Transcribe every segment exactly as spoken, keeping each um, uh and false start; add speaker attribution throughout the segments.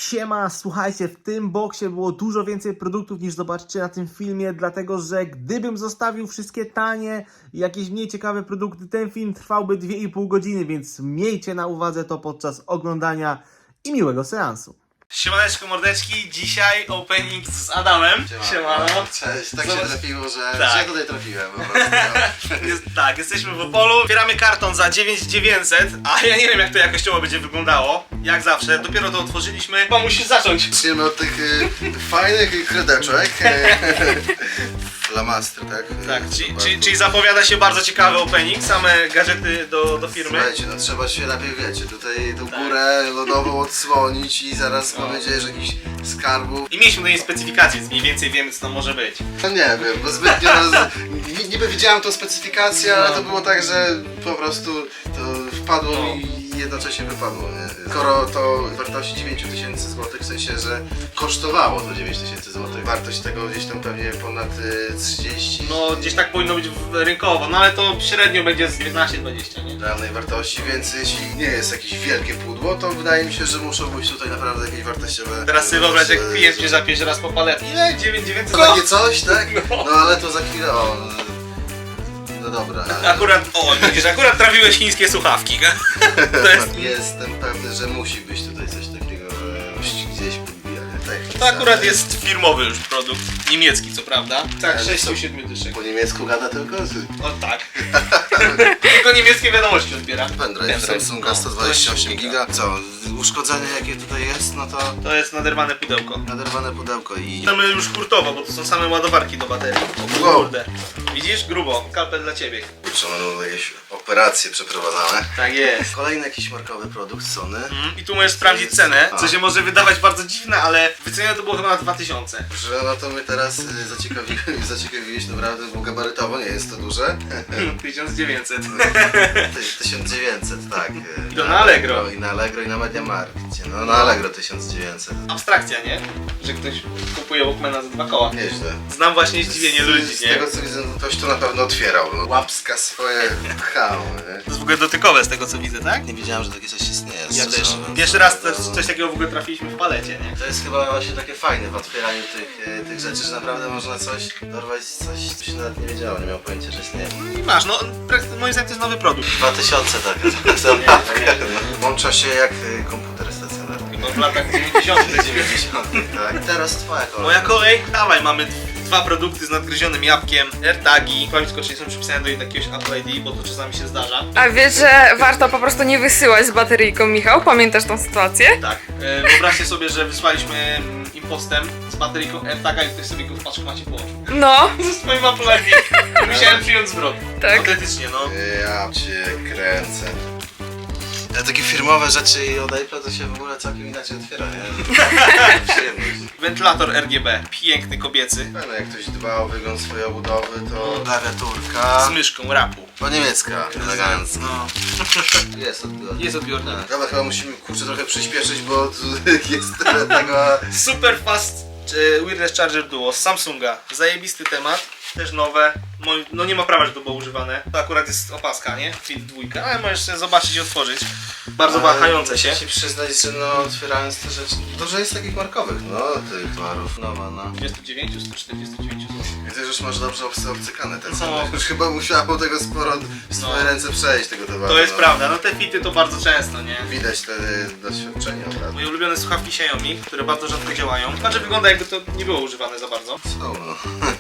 Speaker 1: Siema, słuchajcie, w tym boksie było dużo więcej produktów niż zobaczycie na tym filmie, dlatego że gdybym zostawił wszystkie tanie i jakieś mniej ciekawe produkty, ten film trwałby dwie i pół godziny, więc miejcie na uwadze to podczas oglądania i miłego seansu. Siemaneczko mordeczki, dzisiaj opening z Adamem.
Speaker 2: Siemano. Cześć, tak
Speaker 1: Zobacz...
Speaker 2: się trafiło, że
Speaker 1: tak.
Speaker 2: że ja tutaj trafiłem po prostu.
Speaker 1: Jest, tak, jesteśmy w Opolu, zbieramy karton za dziewięć tysięcy dziewięćset, a ja nie wiem jak to jakościowo będzie wyglądało, jak zawsze, dopiero to otworzyliśmy, chyba musisz zacząć.
Speaker 2: Zaczniemy od tych y, fajnych kredeczek. Flamastry, tak?
Speaker 1: Tak, czyli, czyli, czyli zapowiada się bardzo ciekawy opening, same gadżety do, do firmy.
Speaker 2: Słuchajcie, no trzeba się lepiej, wiecie, tutaj tą górę lodową odsłonić i zaraz mam nadzieję, że jakiś skarbów.
Speaker 1: I mieliśmy do niej specyfikację, więc mniej więcej wiemy co to może być.
Speaker 2: No nie wiem, bo zbytnio roz... niby widziałem tą specyfikację, ale to było tak, że po prostu to wpadło
Speaker 1: No.
Speaker 2: mi i jednocześnie wypadło, nie? Skoro to wartości dziewięć tysięcy złotych, w sensie, że kosztowało to dziewięć tysięcy złotych. Wartość tego gdzieś tam pewnie ponad y, trzydzieści.
Speaker 1: No gdzieś tak powinno być w- rynkowo, no ale to średnio będzie z dziewiętnaście dwadzieścia, nie?
Speaker 2: Realnej wartości, więc jeśli nie jest jakieś wielkie pudło, to wydaje mi się, że muszą być tutaj naprawdę jakieś wartościowe.
Speaker 1: Teraz sobie wyobraź jak
Speaker 2: wartości-
Speaker 1: klient cię zapiesze raz po palet. Ile? dziewięć tysięcy dziewięćset?
Speaker 2: To takie coś, tak?
Speaker 1: No.
Speaker 2: No ale to za chwilę, o. No dobra.
Speaker 1: Akurat, o widzisz, akurat trafiłeś chińskie słuchawki. To jest...
Speaker 2: Jestem pewny, że musi być tutaj coś takiego, że musi gdzieś podbijane technika.
Speaker 1: To akurat jest firmowy już produkt, niemiecki co prawda. Tak,
Speaker 2: Ale
Speaker 1: sześć
Speaker 2: co?
Speaker 1: siedem dyszek.
Speaker 2: Po niemiecku gada tylko?
Speaker 1: O tak. Tylko niemieckie wiadomości odbiera.
Speaker 2: Pendrive
Speaker 1: Pendrive,
Speaker 2: Samsunga
Speaker 1: no,
Speaker 2: sto dwadzieścia osiem giga. Co? Uszkodzenie jakie tutaj jest, no to
Speaker 1: To jest naderwane pudełko.
Speaker 2: naderwane pudełko i...
Speaker 1: Mamy już hurtowo, bo to są same ładowarki do baterii. O
Speaker 2: Wow.
Speaker 1: kurde. Widzisz? Grubo. Kalpel dla ciebie.
Speaker 2: Kurczę, będą jakieś operacje przeprowadzane.
Speaker 1: Tak jest.
Speaker 2: Kolejny jakiś markowy produkt Sony.
Speaker 1: Mm, I tu możesz sprawdzić cenę, co się może wydawać bardzo dziwne, ale wycenione to było chyba na dwa tysiące.
Speaker 2: Że no to mnie teraz y, zaciekawi, zaciekawiłeś naprawdę, bo gabarytowo nie jest to duże.
Speaker 1: tysiąc dziewięćset.
Speaker 2: Ty- tysiąc dziewięćset, tak. y,
Speaker 1: I to na Allegro.
Speaker 2: I na Allegro i na Mediamarkcie. No na Allegro tysiąc dziewięćset.
Speaker 1: Abstrakcja, nie? Że ktoś kupuje Walkmana za dwa koła.
Speaker 2: Nieźle.
Speaker 1: Znam właśnie zdziwienie
Speaker 2: Z-
Speaker 1: ludzi,
Speaker 2: Z
Speaker 1: nie?
Speaker 2: tego co widzę, no ktoś to na pewno otwierał. No, łapska swoje pchał, nie?
Speaker 1: To jest w ogóle dotykowe z tego co widzę, tak?
Speaker 2: Nie wiedziałem, że takie coś istnieje.
Speaker 1: Ja
Speaker 2: szczerze
Speaker 1: też.
Speaker 2: mówiąc.
Speaker 1: Pierwszy raz
Speaker 2: No,
Speaker 1: coś,
Speaker 2: no.
Speaker 1: coś takiego w ogóle trafiliśmy w palecie, nie?
Speaker 2: To jest chyba właśnie takie fajne w otwieraniu tych, e, tych rzeczy, że naprawdę można coś dorwać, coś, co się nawet nie wiedziało, nie miał pojęcia, że istnieje.
Speaker 1: I masz, no prak- moim zdaniem to jest nowy produkt.
Speaker 2: dwa tysiące taka zabawka. Łącza się jak e, komputer stacjonarny.
Speaker 1: Chyba w latach dziewięćdziesiątych.
Speaker 2: dziewięćdziesiątych, tak. Teraz twoja kolej.
Speaker 1: Moja kolej, dawaj, mamy d- dwa produkty z nadgryzionym jabłkiem, AirTagi. Powiem tylko, czy nie są przypisane do jakiegoś Apple I D, bo to czasami się zdarza.
Speaker 3: A wiesz, że warto po prostu nie wysyłać z bateryjką, Michał? Pamiętasz tą sytuację?
Speaker 1: Tak. E, wyobraźcie sobie, że wysłaliśmy mm, im postem z bateryjką AirTaga i ktoś sobie go w paczkomacie połączył.
Speaker 3: No,
Speaker 1: Ze swoim Apple I D. Musiałem przyjąć zwrot.
Speaker 3: tak.
Speaker 1: Autentycznie, no.
Speaker 2: Ja cię kręcę. Ja takie firmowe rzeczy i od Apple'a to się w ogóle całkiem inaczej otwiera, nie? Przyjemność.
Speaker 1: Wentylator R G B, piękny, kobiecy.
Speaker 2: Pewno jak ktoś dba o wygląd swojej obudowy, to klawiaturka
Speaker 1: Z myszką, rapu.
Speaker 2: po niemiecka, elegancko.
Speaker 1: No.
Speaker 2: Jest odbiornik.
Speaker 1: Jest odbiornik.
Speaker 2: Dobra, chyba musimy kurczę trochę przyspieszyć, bo tu jest tyle tego...
Speaker 1: Super Fast e, Wireless Charger Duo z Samsunga. Zajebisty temat, też nowe. Moi- No nie ma prawa, że to było używane. To akurat jest opaska, nie? Fit dwójka, ale możesz sobie zobaczyć i otworzyć. Bardzo wahające się.
Speaker 2: Muszę ci przyznać, że no otwierając te rzeczy, dużo jest takich markowych, no tych towarów, nowa, no.
Speaker 1: dwadzieścia dziewięć, sto czterdzieści dziewięć zł.
Speaker 2: Widzę, że już masz dobrze obcy- obcykane te
Speaker 1: No.
Speaker 2: ceny. Już chyba musiało tego sporo w swoje
Speaker 1: No.
Speaker 2: ręce przejść tego towaru.
Speaker 1: To jest
Speaker 2: no.
Speaker 1: prawda, no te fity to bardzo często, nie?
Speaker 2: Widać te doświadczenie od razu.
Speaker 1: Moje ulubione słuchawki Xiaomi, które bardzo rzadko działają. Znaczy wygląda jakby to nie było używane za bardzo.
Speaker 2: Są, no.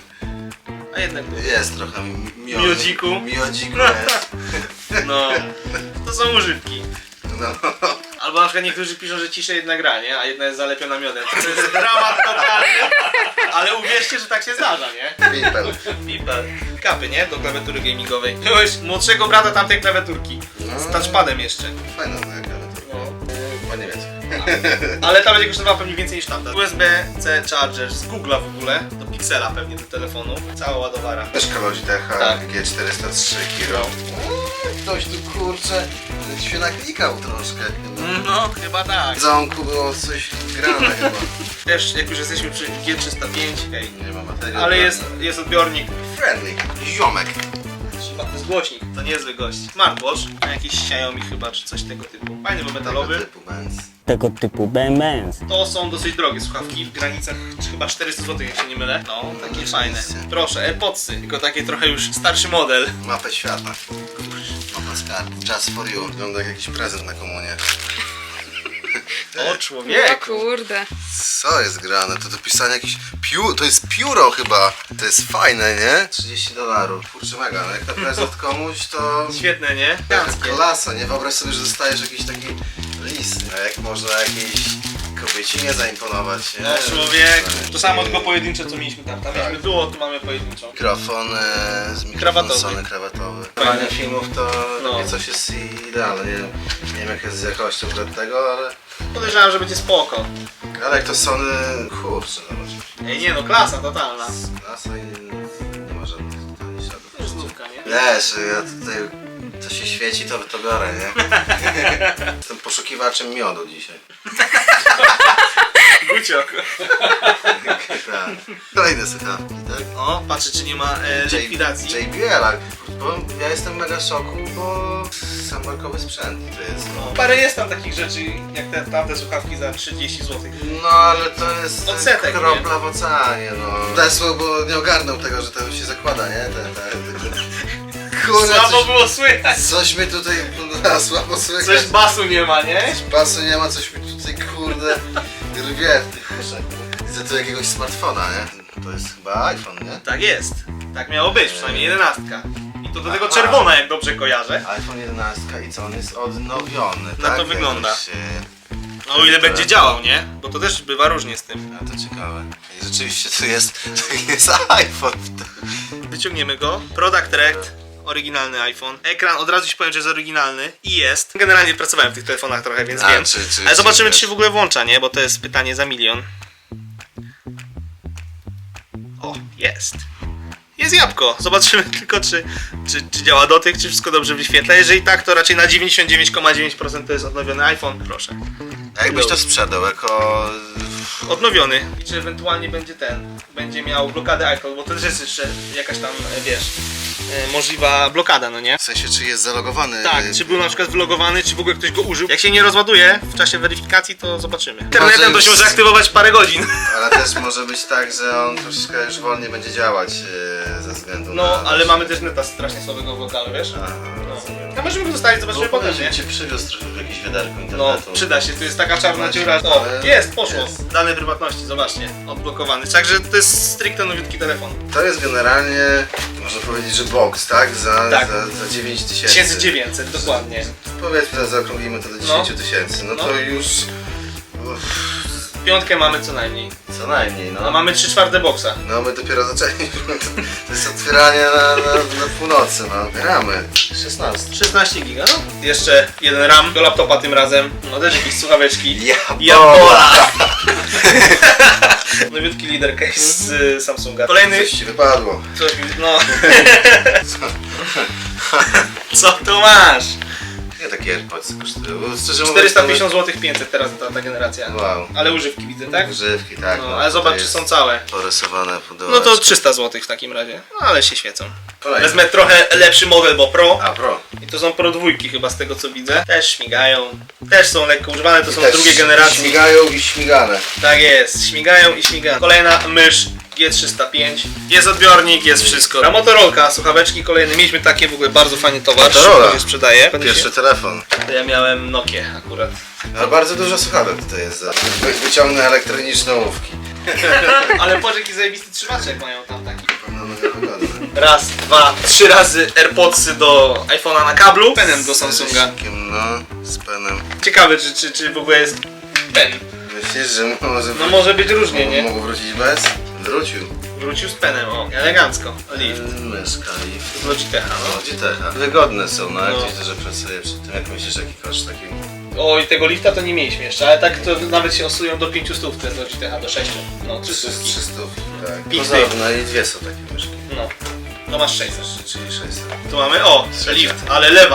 Speaker 1: A jednak
Speaker 2: Jest trochę mi- miodu.
Speaker 1: Miodziku.
Speaker 2: Miodziku jest.
Speaker 1: no, to są używki.
Speaker 2: No.
Speaker 1: Albo na przykład niektórzy piszą, że ciszej jedna gra, nie? A jedna jest zalepiona miodem. To jest dramat totalny. Ale uwierzcie, że tak się zdarza, nie?
Speaker 2: Pipel.
Speaker 1: Pipel. Kapy, nie? Do klawiatury gamingowej. Byłeś młodszego brata tamtej klawiaturki. Z touchpadem jeszcze.
Speaker 2: Fajna ta klawiaturka.
Speaker 1: No.
Speaker 2: Chyba nie wiecie.
Speaker 1: Ale ta będzie kosztowała pewnie więcej niż tamta. U S B C charger z Google'a w ogóle. Do Pixela pewnie do telefonu. Cała ładowara.
Speaker 2: Myszka Logitecha
Speaker 1: Tak.
Speaker 2: G czterysta trzy Kiro. Ktoś tu kurczę się naklikał troszkę.
Speaker 1: No, chyba tak.
Speaker 2: W zamku było coś grane chyba.
Speaker 1: Też jak już jesteśmy przy G trzysta pięć, hej.
Speaker 2: Nie ma materii.
Speaker 1: Ale jest, jest odbiornik.
Speaker 2: friendly. Ziomek.
Speaker 1: To jest głośnik, to niezły gość. Smartwatch, na jakiś Xiaomi chyba, czy coś tego typu. Fajny, bo metalowy.
Speaker 2: Tego typu, mens.
Speaker 4: tego typu bębens.
Speaker 1: To są dosyć drogie słuchawki, w granicach chyba czterysta złotych, jak się nie mylę. No, takie fajne. Proszę, AirPodsy, tylko takie trochę już starszy model.
Speaker 2: Mapę świata. Mapa skarb. Just for you. Wygląda jak jakiś prezent na komunię.
Speaker 1: O
Speaker 3: O
Speaker 1: człowieku!
Speaker 3: kurde.
Speaker 2: Co jest grane? To do pisania jakieś pióro, to jest pióro chyba. To jest fajne, nie? trzydzieści dolarów. Kurczę mega, no jak na prezent komuś to...
Speaker 1: Świetne, nie?
Speaker 2: Jaka klasa, nie? Wyobraź sobie, że dostajesz jakiś taki list. A jak można jakiejś kobiecinie zaimponować, nie?
Speaker 1: No człowieku, to
Speaker 2: Taki
Speaker 1: samo tylko pojedyncze co mieliśmy tam. Tam
Speaker 2: Tak.
Speaker 1: mieliśmy duo, tu mamy pojedynczą.
Speaker 2: Mikrofon e, z mikrofon
Speaker 1: Krawatowy.
Speaker 2: Sony krawatowy. Fajne filmów to
Speaker 1: No.
Speaker 2: no. coś jest idealne. Nie, nie wiem jak jest z jakością do tego, ale...
Speaker 1: Podejrzewam, że będzie spoko.
Speaker 2: Ale jak to Sony... Kurczę, zobacz.
Speaker 1: Ej, nie no, klasa totalna.
Speaker 2: Klasa i nie ma żadnych tanich śladów.
Speaker 1: To jest znówka, nie?
Speaker 2: Wiesz, ja tutaj... Co się świeci, to, to biorę, nie? Jestem poszukiwaczem miodu dzisiaj.
Speaker 1: Guciok.
Speaker 2: Tak. Kolejne słuchawki, tak?
Speaker 1: O, patrzę czy nie ma e, likwidacji.
Speaker 2: J B L, bo ja jestem mega w szoku, bo sam markowy sprzęt to jest.
Speaker 1: No, parę jest tam takich rzeczy, jak te tamte słuchawki za trzydzieści złotych.
Speaker 2: No ale to jest
Speaker 1: Odsetek,
Speaker 2: kropla w oceanie, no. Tesło, bo nie ogarnął tego, że to się zakłada, nie? Te, te, te... Kurde,
Speaker 1: Słabo
Speaker 2: coś,
Speaker 1: było słychać.
Speaker 2: coś mi tutaj no, słabo słychać.
Speaker 1: Coś basu nie ma, nie?
Speaker 2: Basu nie ma, coś mi tutaj kurde rwie w tych uszach. Widzę tu jakiegoś smartfona, nie? To jest chyba iPhone, nie?
Speaker 1: Tak jest. Tak miało być, przynajmniej jedenastka. I to do tego
Speaker 2: Aha.
Speaker 1: czerwona, jak dobrze kojarzę.
Speaker 2: iPhone jedenaście i co on jest odnowiony,
Speaker 1: No
Speaker 2: tak?
Speaker 1: to wygląda.
Speaker 2: Jakoś, e,
Speaker 1: No o ile będzie działał, nie? Bo to też bywa różnie z tym.
Speaker 2: A to ciekawe. I rzeczywiście tu jest, tu jest iPhone.
Speaker 1: Wyciągniemy go. Product Direct. Oryginalny iPhone. Ekran, od razu ci powiem, że jest oryginalny. I jest. Generalnie pracowałem w tych telefonach trochę, więc
Speaker 2: A,
Speaker 1: wiem.
Speaker 2: czy- czy-
Speaker 1: Ale zobaczymy,
Speaker 2: czy-
Speaker 1: czy się w ogóle włącza, nie? Bo to jest pytanie za milion. O, jest. Jest jabłko. Zobaczymy tylko, czy, czy, czy działa dotyk, czy wszystko dobrze wyświetla. Jeżeli tak, to raczej na dziewięćdziesiąt dziewięć przecinek dziewięć procent to jest odnowiony iPhone. Proszę.
Speaker 2: A jakbyś to sprzedał jako...
Speaker 1: Odnowiony. I czy ewentualnie będzie ten, będzie miał blokadę iCloud, bo to też jest jeszcze jakaś tam, e, wiesz, e, możliwa blokada, no nie?
Speaker 2: W sensie, czy jest zalogowany?
Speaker 1: Tak, czy był na przykład wylogowany, czy w ogóle ktoś go użył. Jak się nie rozładuje w czasie weryfikacji, to zobaczymy. Internetem to się może aktywować parę godzin.
Speaker 2: Ale też może być tak, że on troszeczkę już wolniej będzie działać yy, ze względu
Speaker 1: No,
Speaker 2: na...
Speaker 1: ale mamy też neta strasznie słabego w lokalu, wiesz?
Speaker 2: Aha,
Speaker 1: No.
Speaker 2: rozumiem.
Speaker 1: A możemy go zostawić, zobaczymy
Speaker 2: Bo
Speaker 1: potem,
Speaker 2: potem
Speaker 1: nie?
Speaker 2: cię przywiózł trochę w jakieś wiaderko
Speaker 1: No,
Speaker 2: internetu.
Speaker 1: przyda się, tu jest taka czarna
Speaker 2: Właśnie,
Speaker 1: dziura. O,
Speaker 2: ale
Speaker 1: jest, poszło.
Speaker 2: jest.
Speaker 1: Dane prywatności, zobaczcie, odblokowany. Także to jest stricte nowiutki telefon.
Speaker 2: To jest generalnie, można powiedzieć, że box, tak? Za,
Speaker 1: Tak.
Speaker 2: za, za dziewięć tysięcy.
Speaker 1: tysiąc dziewięćset, dokładnie.
Speaker 2: Powiedzmy, zaokrąglimy to do dziesięć tysięcy. No,
Speaker 1: No.
Speaker 2: to już... Uff,
Speaker 1: Piątkę mamy co najmniej.
Speaker 2: co najmniej, no.
Speaker 1: A mamy trzy czwarte boksa.
Speaker 2: No my dopiero zaczęliśmy. To jest otwieranie na, na, na północy, no. Gramy. szesnaście.
Speaker 1: szesnaście giga, no. Jeszcze jeden RAM do laptopa tym razem. No też jakieś słuchaweczki.
Speaker 2: Jabola!
Speaker 1: Jabola! Nowiutki leader case z y, Samsunga. Kolejny...
Speaker 2: Coś ci wypadło.
Speaker 1: Coś mi... no... Co tu masz?
Speaker 2: Nie takie AirPods kosztują. Bo szczerze mówiąc,
Speaker 1: czterysta pięćdziesiąt złotych, pięćset teraz ta, ta generacja.
Speaker 2: Wow.
Speaker 1: Ale używki widzę, tak?
Speaker 2: Grzywki, tak.
Speaker 1: No, ale zobacz, czy są całe.
Speaker 2: Porysowane pudełeczko.
Speaker 1: No to trzysta złotych w takim razie. No ale się świecą.
Speaker 2: Kolejny.
Speaker 1: Wezmę trochę lepszy model, bo Pro.
Speaker 2: A, Pro.
Speaker 1: I to są Pro dwójki chyba z tego co widzę. Też śmigają. Też są lekko używane, to są
Speaker 2: Też
Speaker 1: drugiej generacji.
Speaker 2: Śmigają i śmigane.
Speaker 1: Tak jest, śmigają i śmigają. Kolejna mysz G trzysta pięć. Jest odbiornik, jest wszystko. A Motorolka, słuchaweczki kolejne. Mieliśmy takie w ogóle bardzo fajny towar.
Speaker 2: Motorola.
Speaker 1: Szybko się sprzedaje.
Speaker 2: Pierwszy telefon.
Speaker 1: To ja miałem Nokię akurat.
Speaker 2: A bardzo dużo słuchawek tutaj jest. Za. Wy- Wyciągnę elektroniczne ołówki.
Speaker 1: Ale patrz jaki zajebisty trzymaczek mają tam taki.
Speaker 2: No, mega wygodne.
Speaker 1: Raz, dwa, trzy razy AirPodsy do iPhone'a na kablu. Penem do Samsunga.
Speaker 2: Z ryskiem, no, z penem.
Speaker 1: Ciekawe czy, czy, czy w ogóle jest pen.
Speaker 2: Myślisz, że może,
Speaker 1: No może być różnie, nie?
Speaker 2: mógł wrócić bez? Wrócił.
Speaker 1: Wrócił z penem, o, elegancko. Lift.
Speaker 2: Myszka, lift.
Speaker 1: Z Logitecha, no.
Speaker 2: No, Logitecha. Wygodne są, no, jak
Speaker 1: No.
Speaker 2: gdzieś dużo pracuje przy tym. Jak myślisz, jaki koszt taki?
Speaker 1: O, i tego lifta to nie mieliśmy jeszcze, ale tak to nawet się osują do pięciu stów te Logitecha, do sześciu. No, trzy stówki.
Speaker 2: trzysta, tak.
Speaker 1: Pięć
Speaker 2: Pozorne i dwie są takie myszki.
Speaker 1: No. To masz sześćset.
Speaker 2: Czyli sześćset.
Speaker 1: Tu mamy, o,
Speaker 2: Trzecia.
Speaker 1: lift, ale lewa.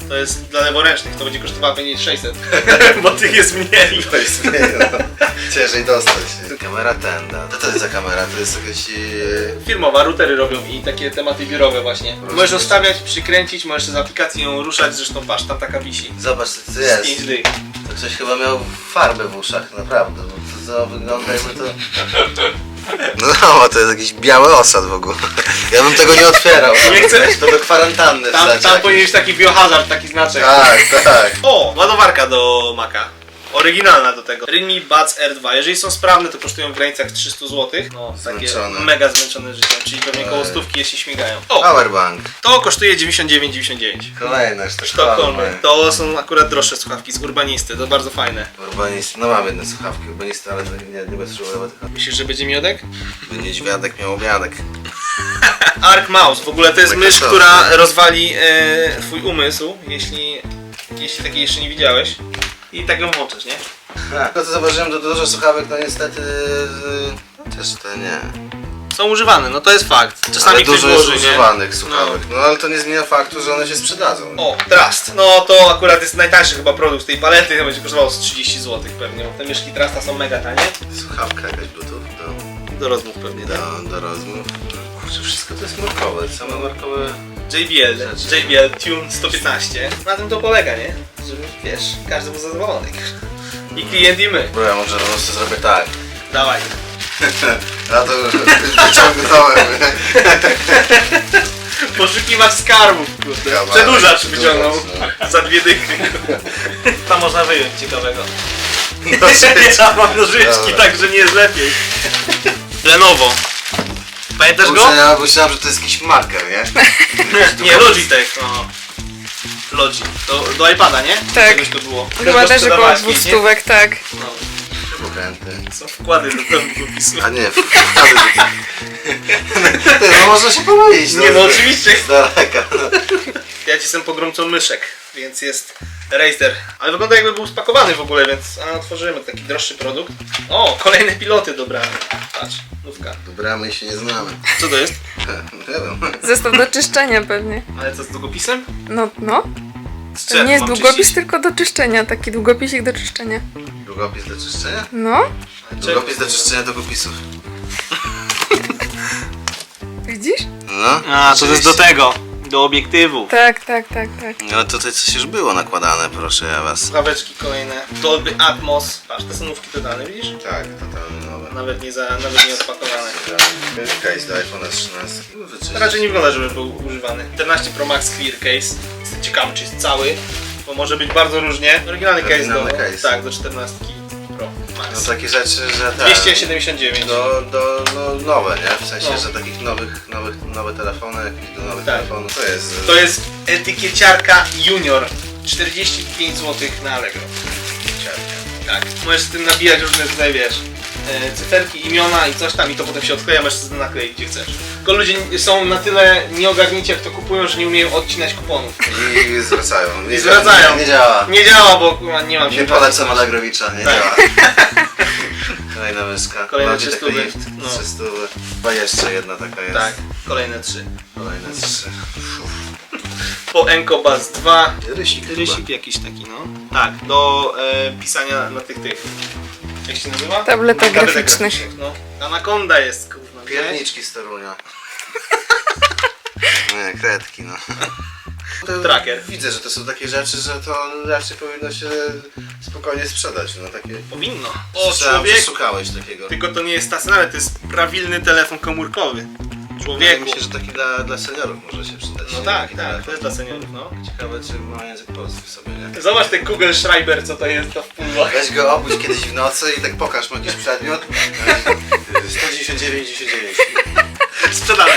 Speaker 1: To jest dla leworęcznych, to będzie kosztowało pewnie sześćset, bo tych jest mniej.
Speaker 2: To jest mniej, no. Ciężej dostać. Kamera tenda. Co to jest za kamera? To jest jakaś... e,
Speaker 1: Firmowa, routery robią i takie tematy biurowe właśnie. Możesz ustawiać, przykręcić, możesz z aplikacji ją ruszać, zresztą patrz, tam taka wisi.
Speaker 2: Zobacz co to
Speaker 1: Z
Speaker 2: jest.
Speaker 1: pięć dych.
Speaker 2: To ktoś chyba miał farbę w uszach, naprawdę, bo to, to wygląda jakby to... No, no, to jest jakiś biały osad w ogóle. Ja bym tego nie otwierał.
Speaker 1: Nie chcę.
Speaker 2: To do kwarantanny
Speaker 1: Tam,
Speaker 2: wsadź
Speaker 1: tam
Speaker 2: jakiś.
Speaker 1: powinien być taki biohazard, taki znaczek.
Speaker 2: Tak, tak.
Speaker 1: O, ładowarka do Maca. Oryginalna do tego. Realme Buds R dwa. Jeżeli są sprawne, to kosztują w granicach trzysta złotych. No, takie
Speaker 2: Zmęczone.
Speaker 1: mega zmęczone życiem, czyli pewnie koło
Speaker 2: Ej.
Speaker 1: stówki, jeśli śmigają. O,
Speaker 2: Powerbank.
Speaker 1: to kosztuje dziewięćdziesiąt dziewięć dziewięćdziesiąt dziewięć.
Speaker 2: Kolejne
Speaker 1: Sztokholmy. To są akurat droższe słuchawki z Urbanisty, to bardzo fajne.
Speaker 2: Urbanisty. No mam jedne słuchawki urbanisty, ale to nie, nie bez szkoły, tylko
Speaker 1: Myślisz, że będzie miodek?
Speaker 2: by niedźwiadek miał obiadek.
Speaker 1: Arc Mouse, w ogóle to jest
Speaker 2: Tak,
Speaker 1: mysz,
Speaker 2: to-
Speaker 1: która rozwali e, twój umysł, jeśli, jeśli takiej jeszcze nie widziałeś. I tak ją włączysz, nie?
Speaker 2: A, to co zauważyłem, to dużo słuchawek, no niestety... yy, też to nie.
Speaker 1: Są używane, no to jest fakt. Czasami
Speaker 2: Ale
Speaker 1: ktoś
Speaker 2: dużo jest
Speaker 1: włoży, nie?
Speaker 2: używanych słuchawek, no. ale to nie zmienia faktu, że one się sprzedadzą.
Speaker 1: O, Trust. No to akurat jest najtańszy chyba produkt z tej palety, to będzie kosztowało z trzydzieści złotych pewnie, bo te myszki Trusta są mega tanie.
Speaker 2: Słuchawka jakaś bluetooth do,
Speaker 1: Do rozmów pewnie, tak?
Speaker 2: do, do rozmów. Kurczę, wszystko to jest markowe, same markowe...
Speaker 1: J B L, J B L Tune sto piętnaście. Na tym to polega, nie? Żeby, wiesz, każdy był zadowolony. I klient, i my.
Speaker 2: Bo ja może po prostu zrobię tak.
Speaker 1: Dawaj.
Speaker 2: Ja to już wyciągnąłem.
Speaker 1: Poszukiwać skarbów, kurde.
Speaker 2: Kawałek,
Speaker 1: Przedłużacz wyciągnął
Speaker 2: przedłużacz,
Speaker 1: za dwie dychy. Tam można wyjąć ciekawego.
Speaker 2: Nożyczki.
Speaker 1: Ja mam nożyczki,
Speaker 2: Dobra.
Speaker 1: także nie jest lepiej. Lenovo. Pamiętasz go?
Speaker 2: Kurczę, ja myślałem, że to jest jakiś marker, nie?
Speaker 1: Nie, Logitech. No. Logi. Do, do iPada, nie?
Speaker 3: Tak.
Speaker 1: Czegoś to było.
Speaker 3: Chyba też około
Speaker 1: Sprzedawałeś
Speaker 3: dwóch
Speaker 1: kiedyś, nie?
Speaker 3: stówek, tak.
Speaker 1: No.
Speaker 2: Pokręty.
Speaker 1: Są wkłady do tego długopisu.
Speaker 2: A nie, wkłady do... Ty, no można się pomylić.
Speaker 1: Nie no, oczywiście.
Speaker 2: Z daleka. No.
Speaker 1: Ja ci jestem pogromcą myszek, więc jest Razer. Ale wygląda jakby był spakowany w ogóle, więc a, otworzymy taki droższy produkt. O, kolejne piloty dobrane. Patrz, nówka.
Speaker 2: Dobra, my się nie znamy.
Speaker 1: Co to jest?
Speaker 2: Nie wiem.
Speaker 3: Zestaw do czyszczenia pewnie.
Speaker 1: Ale co z długopisem?
Speaker 3: No, no.
Speaker 1: Z
Speaker 3: To
Speaker 1: czego
Speaker 3: nie jest
Speaker 1: mam
Speaker 3: długopis,
Speaker 1: czyścić?
Speaker 3: tylko do czyszczenia. Taki długopisik do czyszczenia.
Speaker 2: Długopis do czyszczenia?
Speaker 3: No,
Speaker 2: Długopis do czyszczenia długopisów.
Speaker 3: widzisz?
Speaker 2: No.
Speaker 1: A, to jest do
Speaker 2: oczywiście.
Speaker 1: tego, do obiektywu.
Speaker 3: Tak, tak, tak, tak.
Speaker 2: Ale tutaj coś już było nakładane, proszę ja was.
Speaker 1: Słuchaweczki kolejne. Dolby Atmos. Patrz, te są nówki dodane, widzisz?
Speaker 2: Tak, totalnie nowe.
Speaker 1: Nawet nie, za, nawet nie odpakowane.
Speaker 2: Case do iPhone'a trzynaście. Wyczyścić.
Speaker 1: Raczej nie wygląda, żeby był używany. czternaście Pro Max Clear Case. Jestem ciekawy, czy jest cały, bo może być bardzo różnie. Oryginalny case do,
Speaker 2: Oryginalny case.
Speaker 1: tak, do czternastki Pro
Speaker 2: No
Speaker 1: Max.
Speaker 2: takie rzeczy, że tak.
Speaker 1: dwieście siedemdziesiąt dziewięć.
Speaker 2: Do, do no, nowe, nie? W sensie,
Speaker 1: No.
Speaker 2: że takich nowych, nowych, nowe telefony, jakieś do nowych
Speaker 1: Tak.
Speaker 2: telefonów, to jest...
Speaker 1: To jest etykieciarka Junior. czterdzieści pięć złotych na Allegro. Etykieciarka. Tak. Możesz z tym nabijać różne tutaj, wiesz, e, cyferki, imiona i coś tam i to potem się odkleja, możesz sobie nakleić gdzie chcesz. Tylko ludzie są na tyle nieogarnięci jak to kupują, że nie umieją odcinać kuponów.
Speaker 2: I zwracają. Nie
Speaker 1: I zwracają.
Speaker 2: Nie, nie działa.
Speaker 1: Nie działa, bo kurwa, nie mam
Speaker 2: Nie
Speaker 1: się
Speaker 2: polecam Allegrowicza, nie
Speaker 1: Tak.
Speaker 2: działa. Kolejna myszka.
Speaker 1: Kolejne
Speaker 2: Logitech
Speaker 1: trzy stówy.
Speaker 2: Lift,
Speaker 1: No.
Speaker 2: trzy stówy. Chyba jeszcze jedna taka jest.
Speaker 1: Tak, kolejne trzy.
Speaker 2: Kolejne trzy.
Speaker 1: Po Encobus dwa.
Speaker 2: Rysik chyba.
Speaker 1: Rysik jakiś taki, no. Tak, do e, pisania na tych tych. Jak się nazywa?
Speaker 3: Tabletach
Speaker 1: Tabletek
Speaker 3: graficznych.
Speaker 1: No. Anaconda jest, kurwa. widziałeś?
Speaker 2: Pierniczki z Torunia. Nie, kredki no. To
Speaker 1: Tracker.
Speaker 2: Widzę, że to są takie rzeczy, że to raczej powinno się spokojnie sprzedać. No takie...
Speaker 1: Powinno. O,
Speaker 2: Słyszałem, że
Speaker 1: człowiek.
Speaker 2: szukałeś takiego.
Speaker 1: Tylko to nie jest stacjonarny, to jest prawilny telefon komórkowy.
Speaker 2: Wydaje
Speaker 1: Człowieku.
Speaker 2: mi się, że taki dla, dla seniorów może się przydać.
Speaker 1: No
Speaker 2: nie?
Speaker 1: tak,
Speaker 2: Taki
Speaker 1: tak,
Speaker 2: telefon.
Speaker 1: to jest dla seniorów, no.
Speaker 2: Ciekawe, czy ma język polski w sobie, nie?
Speaker 1: Zobacz ten Google Schreiber, co to jest to w pudłach.
Speaker 2: Weź go obudź kiedyś w nocy i tak pokaż mu jakiś przedmiot. sto dziewięćdziesiąt dziewięć dziewięćdziesiąt dziewięć.
Speaker 1: Sprzedane.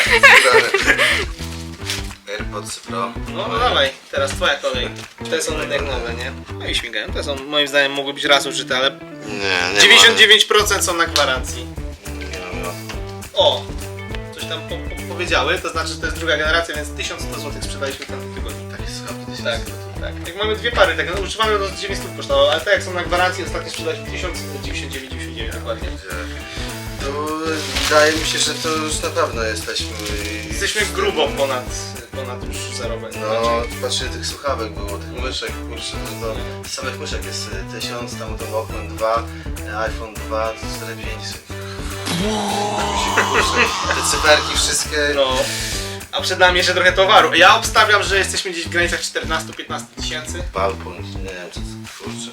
Speaker 2: AirPods Pro.
Speaker 1: No, no dawaj, teraz twoja kolej. Te są jak nowe, nie? No i śmigają. Te są, moim zdaniem, mogły być raz użyte, ale
Speaker 2: Nie, nie
Speaker 1: dziewięćdziesiąt dziewięć procent są na gwarancji.
Speaker 2: Ma, nie mam no.
Speaker 1: O! Coś tam po, po, powiedziały, to znaczy, że to jest druga generacja, więc tysiąc sto złotych sprzedaliśmy w tamtym tygodniu.
Speaker 2: Takie słuchawki
Speaker 1: Tak, tak. Jak mamy dwie pary, tak, no, używamy to z dziewięćset kosztowało, ale tak jak są na gwarancji, ostatnio sprzedaliśmy tysiąc dziewięćdziesiąt dziewięć dziewięćdziesiąt dziewięć dokładnie.
Speaker 2: To wydaje mi się, że to już na pewno jesteśmy...
Speaker 1: Jesteśmy grubo ponad, ponad już zerowe.
Speaker 2: No, patrzcie, tych słuchawek było, tych myszek, kurczę, to z samych myszek jest y, tysiąc, tam to Walkman dwa, y, iPhone dwa, to cztery pięć. Te cyferki wszystkie.
Speaker 1: No. A przed nami jeszcze trochę towaru. Ja obstawiam, że jesteśmy gdzieś w granicach czternaście do piętnastu tysięcy.
Speaker 2: Palpun, nie wiem co to, kurczę.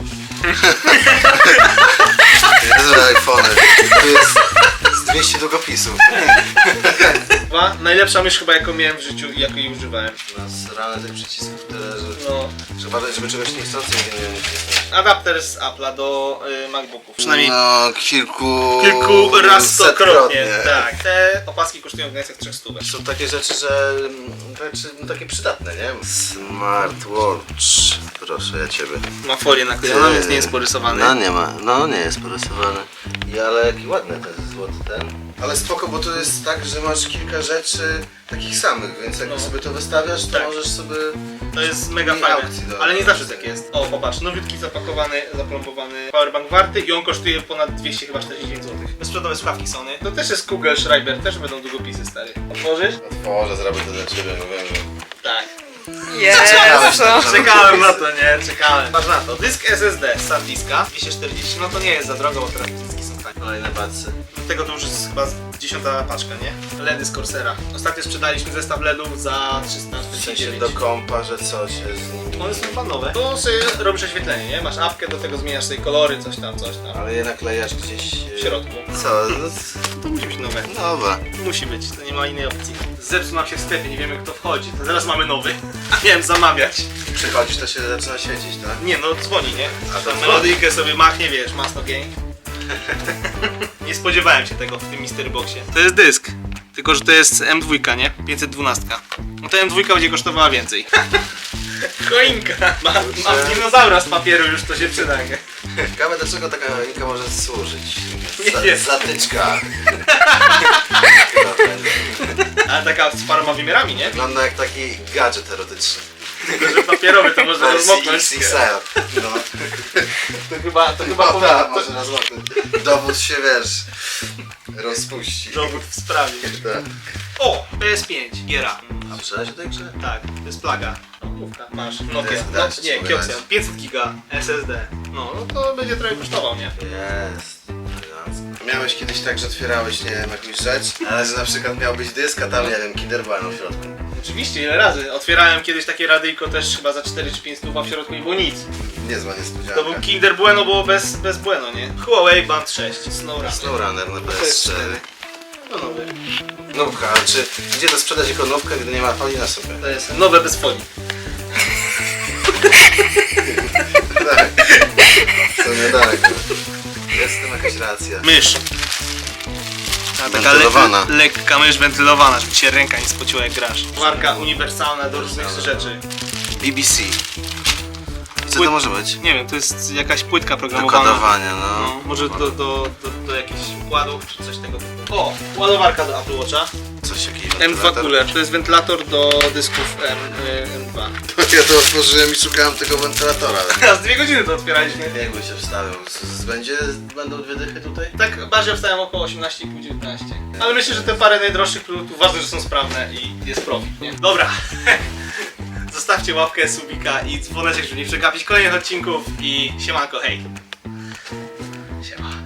Speaker 2: Jezu, iPhony. Tu jest z dwieście długopisów.
Speaker 1: Dwa. Najlepsza mysz chyba jaką miałem w życiu i jakiej używałem.
Speaker 2: Nasrane tych przycisków tyle, że
Speaker 1: No.
Speaker 2: trzeba badać, żeby czegoś niechcący nie nacisnąć.
Speaker 1: Adapter z Apple'a do y, MacBooków. Przynajmniej
Speaker 2: No, kilku...
Speaker 1: kilku rastokrotnie.
Speaker 2: setkrotnie.
Speaker 1: Tak. Te opaski kosztują w granicach trzech stówek.
Speaker 2: Są takie rzeczy, że rzeczy no, takie przydatne, nie? Smartwatch. Proszę ja ciebie.
Speaker 1: Ma folię naklejoną, więc nie jest porysowany.
Speaker 2: No nie ma, no nie jest porysowany. I ale jaki ładny ten złoty ten. Ale spoko, bo to jest tak, że masz kilka rzeczy takich samych, więc jak
Speaker 1: No.
Speaker 2: sobie to wystawiasz, to
Speaker 1: Tak.
Speaker 2: możesz sobie...
Speaker 1: To jest mega
Speaker 2: I
Speaker 1: fajne,
Speaker 2: aukcji, no.
Speaker 1: ale nie zawsze tak jest. O, popatrz, nowiutki zapakowany, zaplombowany powerbank warty i on kosztuje ponad dwieście chyba czterdzieści dziewięć złotych. Bezprzedowe słuchawki Sony. To też jest Kugelschreiber, też będą długopisy stary. Otworzysz?
Speaker 2: Otworzę, zrobię to dla ciebie, no wiem, że...
Speaker 1: Tak.
Speaker 3: Jezu.
Speaker 1: Czekałem na to, nie? Czekałem. Patrz na to. Dysk S S D z SanDiska dwieście czterdzieści, no to nie jest za drogo, bo teraz dyski są fajne.
Speaker 2: Kolejne bacy.
Speaker 1: Tego to już jest chyba dziesiąta paczka, nie? LEDy z Corsera. Ostatnio sprzedaliśmy zestaw LEDów za trzysta
Speaker 2: W sensie
Speaker 1: czterdzieści dziewięć.
Speaker 2: do kompa, że coś jest z nimi...
Speaker 1: One są chyba nowe. To sobie robisz oświetlenie, nie? Masz apkę, do tego zmieniasz sobie kolory, coś tam, coś tam.
Speaker 2: Ale je naklejasz gdzieś...
Speaker 1: W środku.
Speaker 2: Co? No,
Speaker 1: To musi być nowe.
Speaker 2: nowe.
Speaker 1: Musi być, to nie ma innej opcji. Zepsuł nam się w sklepie, nie wiemy kto wchodzi. To zaraz mamy nowy. A miałem zamawiać.
Speaker 2: Przychodzisz, to się zaczyna świecić, tak?
Speaker 1: Nie no, dzwoni, nie?
Speaker 2: A
Speaker 1: A
Speaker 2: to
Speaker 1: tam
Speaker 2: dzwoni.
Speaker 1: melodyjkę sobie machnie, wiesz, Masno Gang. Nie spodziewałem się tego w tym Mystery Boxie. To jest dysk. Tylko, że to jest M dwa, nie? pięćset dwanaście. No to M dwa będzie kosztowała więcej. Choinka! Ma, mam dinozaura z papieru, już to się przyda, nie?
Speaker 2: Ciekawe, do czego taka choinka może służyć?
Speaker 1: Nie
Speaker 2: Za,
Speaker 1: wiem.
Speaker 2: zatyczka.
Speaker 1: Ale taka z paroma wymiarami, nie?
Speaker 2: Wygląda jak taki gadżet erotyczny.
Speaker 1: Tylko, że papierowy to można
Speaker 2: Wersji
Speaker 1: rozmoknąć.
Speaker 2: X X L. No.
Speaker 1: To chyba, to chyba
Speaker 2: No
Speaker 1: powinno...
Speaker 2: tak,
Speaker 1: to-
Speaker 2: może rozmoknąć. Dowód się, wiesz, rozpuści.
Speaker 1: Dowód w sprawie.
Speaker 2: Tak.
Speaker 1: O! P S pięć, giera.
Speaker 2: A przeleć o tej grze?
Speaker 1: Tak, to jest plaga. No, mówka. Masz Nokia.
Speaker 2: Dysk
Speaker 1: No,
Speaker 2: dać,
Speaker 1: nie,
Speaker 2: mogę
Speaker 1: Kioxian.
Speaker 2: dać.
Speaker 1: pięćset giga S S D. No, no to będzie trochę kosztował, nie?
Speaker 2: Jest. elegancko. Miałeś kiedyś tak, że otwierałeś, nie wiem, jakąś rzecz, ale że na przykład miał być dysk, a tam, nie wiem, Kinder Bueno w środku.
Speaker 1: Oczywiście, ile razy. Otwierałem kiedyś takie radyjko też chyba za cztery czy pięć stów, a w środku nie było nic.
Speaker 2: Niezła niespodzianka.
Speaker 1: To był Kinder Bueno, było bez, bez Bueno, nie? Huawei Band sześć, SnowRunner.
Speaker 2: SnowRunner na P
Speaker 1: To jest
Speaker 2: S cztery.
Speaker 1: cztery. No nowy.
Speaker 2: Nówka, ale czy gdzie to sprzedać jako nówkę, gdy nie ma folii na sobie?
Speaker 1: To jest nowe bez folii.
Speaker 2: Tak. Co nie daleko. Jest w tym jakaś racja.
Speaker 1: Mysz. A taka
Speaker 2: Wentylowana.
Speaker 1: lek- lekka mysz wentylowana, żeby ci się ręka nie spociła jak grasz. Marka uniwersalna do różnych rzeczy.
Speaker 2: B B C. I co
Speaker 1: Płyt-
Speaker 2: to może być?
Speaker 1: Nie wiem, to jest jakaś płytka
Speaker 2: Do
Speaker 1: programowana.
Speaker 2: kodowania, no.
Speaker 1: No, może do, do, do, do jakichś układów czy coś tego typu. O, ładowarka do Apple Watcha.
Speaker 2: Coś jakiś
Speaker 1: M dwa
Speaker 2: wentylator.
Speaker 1: Cooler, to jest wentylator do dysków M, y, M dwa.
Speaker 2: Ja to otworzyłem i szukałem tego wentylatora.
Speaker 1: A z dwie godziny to otwieraliśmy.
Speaker 2: Jakby się wstawiał. Z- z- Będzie, będą dwie dychy tutaj?
Speaker 1: Tak bardziej wstałem około osiemnaście i pół dziewiętnaście. Ale myślę, że te parę najdroższych produktów ważne, że są sprawne i jest profit, nie? Dobra. Zostawcie łapkę, subika i dzwoneczek, żeby nie przegapić kolejnych odcinków i siemanko, hej. Siema.